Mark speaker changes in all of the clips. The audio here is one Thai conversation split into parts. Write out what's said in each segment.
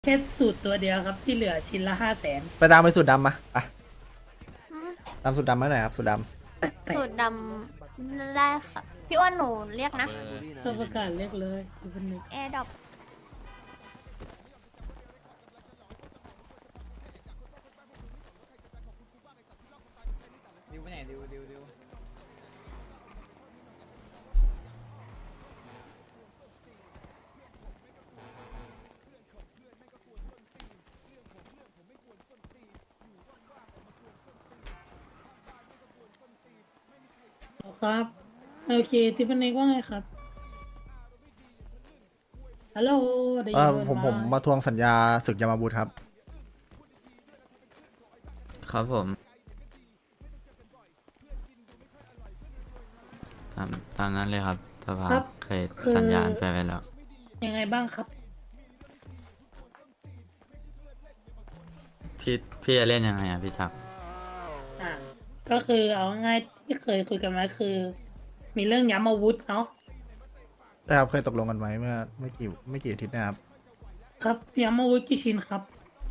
Speaker 1: แค่สูตรตัวเดียวครับที่เหลือชิ้นละ500,000
Speaker 2: ไปตามไปสูตรดำมาอ่ะ
Speaker 3: อืม
Speaker 2: ตามสูตรดำมาหน่อยครับสูตรด
Speaker 1: แต่
Speaker 3: สูตรดำได้ค่ะ พี่อ้วนหนูเรียกนะ
Speaker 1: ตัวประกาศเรียกเลยดูเป็นหนึ่ง
Speaker 3: แอร์ดรอป
Speaker 4: ดิวไปไหนดิว
Speaker 1: ครับโอเคทิปเน็กว่าไงครับฮัลโหลได้
Speaker 2: ำ
Speaker 1: ยินไห
Speaker 2: ผมมาทวงสัญญาศึกยามาบุตรครับ
Speaker 5: ครับผมตามนั้นเลยครับสภา
Speaker 1: ครับ
Speaker 5: เคย
Speaker 1: คือ
Speaker 5: สัญญาณไปไว้แล้ว
Speaker 1: ยังไงบ้างครับ
Speaker 5: พี่จะเล่นยังไงอ่ะพี่ชัก
Speaker 1: อ่าก็คือเอาง่ายที่เคยคุยกันไว้คือ มีเรื่องย้ำอาวุธเนาะ
Speaker 2: ใช่ครับเคยตกลงกันไว้เมื่อไม่กี่อาทิตย์นะครับ
Speaker 1: ครับย้ำอาวุธกี่ชิ้นครับ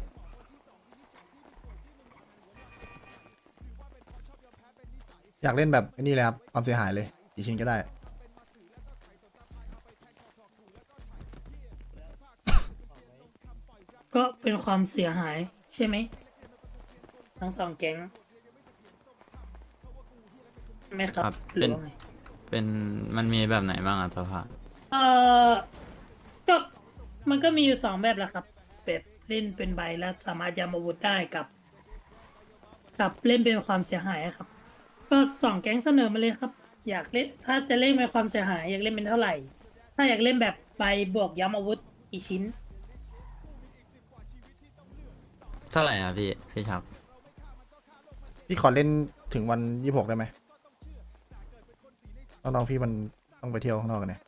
Speaker 2: อยากเล่นแบบไอ้นี่เลยครับความเสียหายเลยกี่ชิ้นก็ได้
Speaker 1: ก็เป็นความเสียหายใช่ไหมทั้งสองแก๊งใช่ไหมครับ
Speaker 5: ครับ
Speaker 1: หรือว่าไง
Speaker 5: เป็นมันมีแบบไหนบ้างอ่ะสภา
Speaker 1: เออก็มันก็มีอยู่สองแบบแหละครับแบบเล่นเป็นใบแล้วสามารถย้ำอาวุธได้กับเล่นเป็นความเสียหายอะครับ ก็สองแก๊งเสนอมาเลยครับ อยากเล่นถ้าจะเล่นเป็นความเสียหายอยากเล่นเป็นเท่าไหร่ ถ้าอยากเล่นแบบใบบวกย้ำอาวุธกี่ชิ้น
Speaker 5: เท่าไหร่อ่ะพี่ชัก
Speaker 2: พี่ขอเล่นถึงวัน26ได้ไหมน้องๆพี่มันต้องไปเที่ยวข้างนอกกันเนี่ย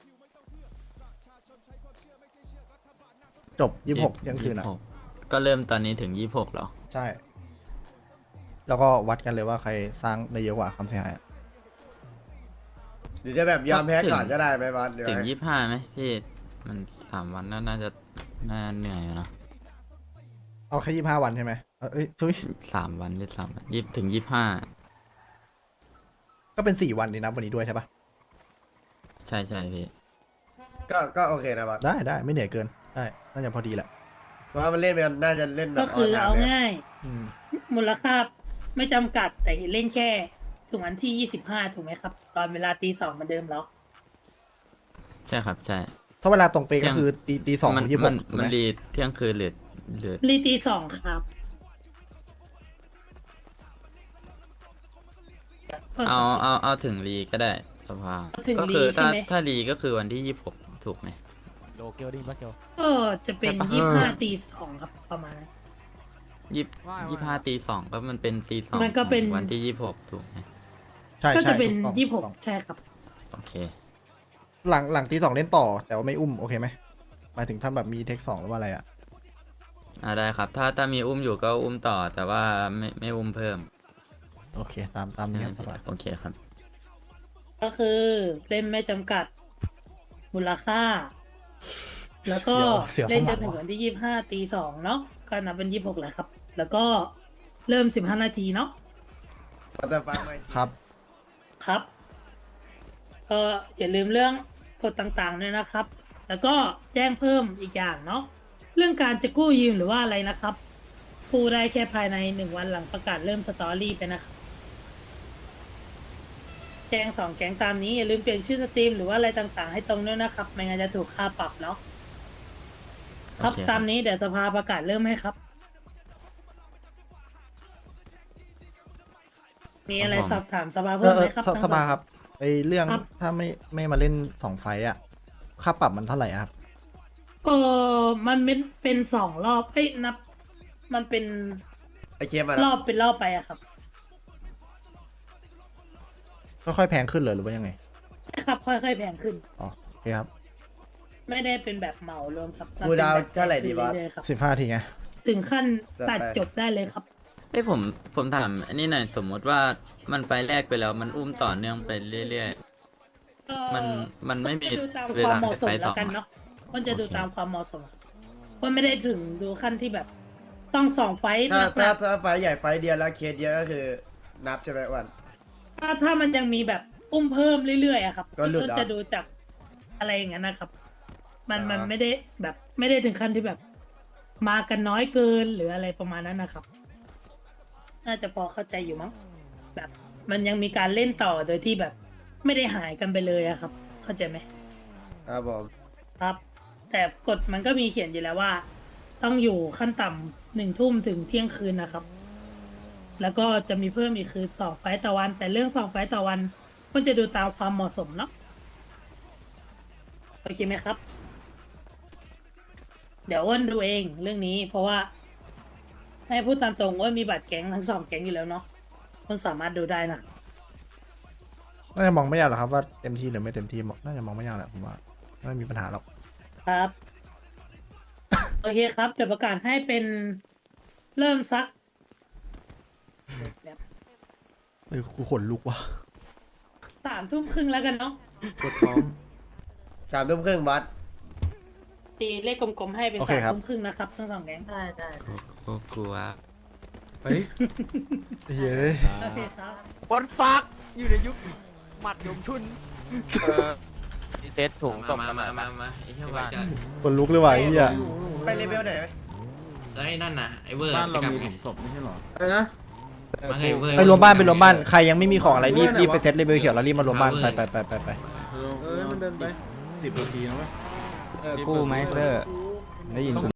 Speaker 2: จบ26เที่ยงคืนอ่ะ
Speaker 5: 26ก็เริ่มตอนนี้ถึง26เหรอ
Speaker 2: ใช่ แล้วก็วัดกันเลยว่าใครสร้างได้เยอะกว่าความเสียหายอะ
Speaker 6: หรือจะแบบยอมแพ้
Speaker 5: ถึง
Speaker 6: ก่อนก็ได้ไหมบอสเดี๋ยว
Speaker 5: ถึง
Speaker 6: ให้
Speaker 5: 25ไหมพี่มัน3 วันน่าจะเหนื่อยอยู่นะ
Speaker 2: เอาแค่25 วันใช่ไหมเอ้ยทุย
Speaker 5: 3 วันหรือ3 วันถึง25
Speaker 2: ก็เป็น4 วันนี่นับวันนี้ด้วยใช่ปะ
Speaker 5: ใช่พี่
Speaker 6: ก็โอเคนะบอส
Speaker 2: ได้ไม่เหนื่อยเกินได้น่าจะพอดีแหละ
Speaker 6: เพราะว่ามันเล่นไปน่าจะเล่นแบบ
Speaker 1: ก็คือเอา
Speaker 6: นไลน์
Speaker 1: ง่าย
Speaker 2: อืม
Speaker 1: มูลค่าไม่จำกัดแต่เล่นแค่ถึงวันที่25ถูกไหมครับ ตอนเวลาตี 2เหมือนเดิมแล้ว
Speaker 5: ใช่ครับใช่
Speaker 2: ถ้าเวลาตรงเป๊ะก็คือตีสอง
Speaker 5: มัน
Speaker 2: 26
Speaker 5: มัน
Speaker 2: ถูกไห
Speaker 5: มั
Speaker 2: ม
Speaker 5: นรีเที่ยงคืนหรือ
Speaker 1: รีตี 2ครับ
Speaker 5: เอาถึงรีก็ได้สภา
Speaker 1: เอาถึง
Speaker 5: ก็คือ
Speaker 1: รีใช่ไหม
Speaker 5: ถ้ารีก็คือวันที่26ถูกไหม
Speaker 4: โลเกลดิบัสเกล
Speaker 1: ก็จะเป็น
Speaker 5: ใช่ปะ
Speaker 1: 25 ตี 2ครับประมาณนั้น
Speaker 5: 25 ตี 2ก็มันเป็นตี 2
Speaker 1: มันก็เป็น
Speaker 5: ของวันที่26ถูกไหม
Speaker 2: ใช่
Speaker 1: ก็
Speaker 2: ใช่
Speaker 1: จะเป็น
Speaker 2: ถูกต้อง
Speaker 1: 26ใช่ครับ
Speaker 5: โอเค
Speaker 2: หลังตี 2เล่นต่อ แต่ว่าไม่อุ้มโอเคไหมหมายถึงถ้าแบบมีเทค2หรือว่าอะไรอ่ะ
Speaker 5: ได้ครับ ถ้ามีอุ้มอยู่ก็อุ้มต่อ แต่ว่าไม่อุ้มเพิ่ม
Speaker 2: โอเคตามนี้ครับสบาย
Speaker 5: โอเคครับ
Speaker 1: ก็คือเล่นไม่จำกัดมูลค่า แล้วก็
Speaker 2: เสียว
Speaker 1: เล่น
Speaker 2: ส
Speaker 1: จ
Speaker 2: ม
Speaker 1: นถึง
Speaker 2: อง
Speaker 1: วันที่25 ตี 2เนาะก็นับเป็น26แหละครับ แล้วก็เริ่ม15 นาทีเนาะ
Speaker 6: แต่ฟังไหม
Speaker 2: ครับ
Speaker 1: ครับอย่าลืมเรื่องกฎต่างๆด้วยนะครับ แล้วก็แจ้งเพิ่มอีกอย่างเนาะเรื่องการจะกู้ยืมหรือว่าอะไรนะครับกู้ได้แค่ภายใน1 วันหลังประกาศเริ่มสตอรี่ไปนะครับแจ้ง2 แก๊งตามนี้อย่าลืมเปลี่ยนชื่อสตรีมหรือว่าอะไรต่างๆ ให้ตรงด้วยนะครับไม่งั้นจะถูกค่าปรับเนาะครับ
Speaker 5: โอเคครับ
Speaker 1: ตามนี้เดี๋ยวสภาประกาศเริ่มให้ครับ มีอะไรสอบถามสภาเพิ่มไหมครับทั้ง
Speaker 2: ส
Speaker 1: อง
Speaker 2: บายครับไอเรื่อง
Speaker 1: ครับ
Speaker 2: ถ้าไม่มาเล่น2 ไฟต์อ่ะค่าปรับมันเท่าไหร่อะครับ
Speaker 1: มันเป็น2 รอบเอ้ยนับ มันเป็น
Speaker 6: ไอเคมมาร
Speaker 1: อบเป็นรอบไปอะครับ
Speaker 2: ค่อยๆแพงขึ้นเลยหรือว่ายังไง
Speaker 1: ใช่ครับ ค่อยๆแพงขึ้น
Speaker 2: อ๋อโอเคครับ
Speaker 1: ไม่ได้เป็นแบบเหมารวมครับ
Speaker 6: คูลดาวน์เท่าไหร่ดีบอส
Speaker 1: เรื่อยๆครับ
Speaker 2: 15 ทีไง
Speaker 1: ถึงขั้น
Speaker 6: จัด
Speaker 1: ตัด
Speaker 6: ไป
Speaker 1: จบได้เลยครับ
Speaker 5: ผมถามอันนี้หน่อยสมมติว่ามันไฟล์แรกไปแล้วมันอุ้มต่อเนื่องไปเรื่อย มันไม่มี
Speaker 1: จะดูตาม
Speaker 5: เว
Speaker 1: ความ
Speaker 5: ลา
Speaker 1: เหมาะสม
Speaker 5: ไปไฟล์
Speaker 1: แล้
Speaker 5: ส
Speaker 1: ว
Speaker 5: อง
Speaker 1: กัน
Speaker 5: อะ
Speaker 1: เนาะมันจะดู
Speaker 5: โอเค
Speaker 1: ตามความเหมาะสมครับว่าไม่ได้ถึงดูขั้นที่แบบ ต้องส่องไฟท์
Speaker 6: ถ้า
Speaker 1: หนัก
Speaker 6: ถ้าไฟใหญ่ไฟเดียวแล้วเคสเยอะก็คือนับใช่ไหมอ้วัน
Speaker 1: ๆถ้ามันยังมีแบบอุ้มเพิ่มเรื่อยๆอะครับ
Speaker 6: ก็หลุดเหรอ
Speaker 1: จะดูจากอะไรอย่างนั้นนะครับ มัน
Speaker 6: อ่ามั
Speaker 1: มันไม่ได้แบบไม่ได้ถึงขั้นที่แบบ มากันน้อยเกินหรืออะไรประมาณนั้นนะครับ น่าจะพอเข้าใจอยู่มั้งแบบ มันยังมีการเล่นต่อโดยที่แบบ ไม่ได้หายกันไปเลยอะครับ เข้าใจไหม
Speaker 6: ครับผม
Speaker 1: ครับ แต่กฎมันก็มีเขียนอยู่แล้วว่า ต้องอยู่ขั้นต่ำ1 ทุ่มถึงเที่ยงคืนนะครับ แล้วก็จะมีเพิ่มอีกคือ2 ไฟต์ต่อวัน แต่เรื่อง2 ไฟต์ต่อวันมันจะดูตามความเหมาะสมเนาะโอเคไหมครับ เดี๋ยวอ้วนดูเองเรื่องนี้ เพราะว่า ให้พูดตามตรงว่ามีบัตรแก๊งทั้ง2 แก๊งอยู่แล้วเนาะคุณสามารถดูได้นะ
Speaker 2: น่าจะมองไม่ยากหรอกครับว่าเต็มที่หรือไม่เต็มที่น่าจะมองไม่ยากแหละผมว่าไม่มีปัญหาหรอก
Speaker 1: ครับ โอเคครับ เดี๋ยวประกาศให้เป็นเริ่มซักแบบ
Speaker 2: เอ้ยกูขนลุกว่ะ
Speaker 1: 3 ทุ่มครึ่งแล้วกันเนาะ
Speaker 6: 3 ทุ่มครึ่งบอส
Speaker 1: ตีเลขกลมๆให้เป็น
Speaker 2: โอเคครับ
Speaker 1: 3 ทุ่มครึ่งนะครับทั้ง2 แก๊ง
Speaker 3: ได้ได้
Speaker 5: โอ้กลัว
Speaker 2: เฮ้ยเย้ย
Speaker 1: โอเคครับ
Speaker 4: วันฟักอยู่ในยุคหมัดยมชุนเซตถุงส่ง
Speaker 5: มาไอ้เหี้ยว่าจะ
Speaker 2: ขนลุกเลยว่ะไอ้เหี้ย
Speaker 6: ไปเลเวลไหนไหม
Speaker 5: แล้วไอ้นั่นน่ะไอ้เวอร์
Speaker 7: บ้านเรา
Speaker 5: ไป
Speaker 7: มี
Speaker 5: ก
Speaker 7: ห
Speaker 5: ลั
Speaker 7: ลุ
Speaker 5: บ
Speaker 7: มศพไม่ใช่เหรอ
Speaker 8: อะไรนะ
Speaker 5: มาไงเวอร์
Speaker 2: ไปรวมบ้านไปรวมบ้านใครยังไม่มีของอะไรรีบไปเซตเลเวลเขียวแล้วรีบมารวมบ้านไปไป
Speaker 8: มันเดินไป
Speaker 7: 10 นาทีนะเว้ย
Speaker 8: กู้ไหมเซอร์ได้ยินกู